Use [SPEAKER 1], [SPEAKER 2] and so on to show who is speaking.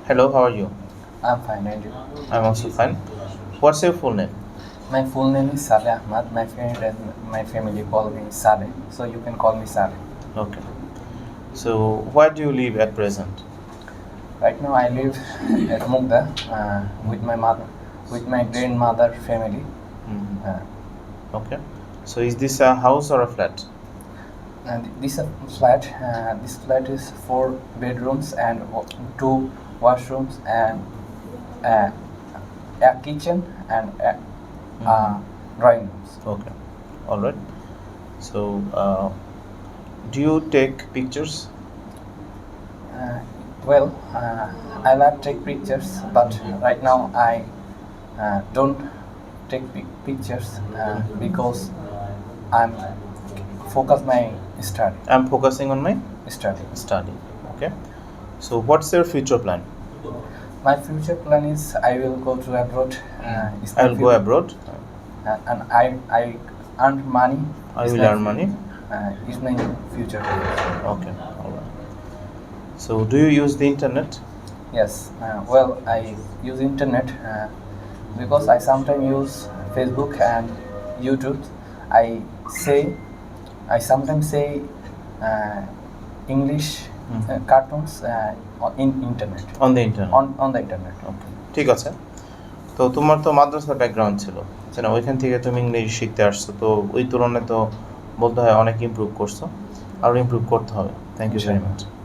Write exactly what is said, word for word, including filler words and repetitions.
[SPEAKER 1] Hello, how are you?
[SPEAKER 2] I'm fine, and you?
[SPEAKER 1] I'm also fine. What's your full name?
[SPEAKER 2] My full name is Saleh Ahmad. My friend and my family call me Saleh, so you can call me Saleh.
[SPEAKER 1] Okay. So, where do you live at present?
[SPEAKER 2] Right now, I live at Mugda uh, with my mother, with my grandmother family.
[SPEAKER 1] Mhm.
[SPEAKER 2] Uh,
[SPEAKER 1] Okay. So, is this a house or a flat?
[SPEAKER 2] and this uh, flat, uh, this flat is four bedrooms and wa- two washrooms and uh, a kitchen and a, uh, drawing rooms.
[SPEAKER 1] Okay. All right. So, uh, do you take pictures?
[SPEAKER 2] Uh, well, uh, I love take pictures, but right now I uh, don't take pic- pictures uh, because I'm focus my study.
[SPEAKER 1] I'm focusing on my
[SPEAKER 2] Study.
[SPEAKER 1] study. Okay. So, what's your future plan?
[SPEAKER 2] My future plan is I will go to abroad. Uh, it's my
[SPEAKER 1] I'll go
[SPEAKER 2] fu-
[SPEAKER 1] abroad.
[SPEAKER 2] uh, and I I earn money.
[SPEAKER 1] I
[SPEAKER 2] It's
[SPEAKER 1] will
[SPEAKER 2] my
[SPEAKER 1] earn
[SPEAKER 2] fu-
[SPEAKER 1] money.
[SPEAKER 2] Uh, is my future plan.
[SPEAKER 1] Okay. All right. So, do you use the internet?
[SPEAKER 2] Yes. Uh, well, I use internet uh, because I sometimes use Facebook and YouTube. I say I sometimes say uh, English uh, cartoons uh, on- in internet
[SPEAKER 1] On the internet.
[SPEAKER 2] on on the internet.
[SPEAKER 1] ওকে, ঠিক আছে। তো তোমার তো মাদ্রাসার background ছিল, তাই না? ওইখান থেকে তুমি ইংরেজি শিখতে আসছো, তো ওই তুলনায় তো বলতে হয় অনেক ইমপ্রুভ করছো, আরও ইমপ্রুভ করতে হবে। Thank you very much.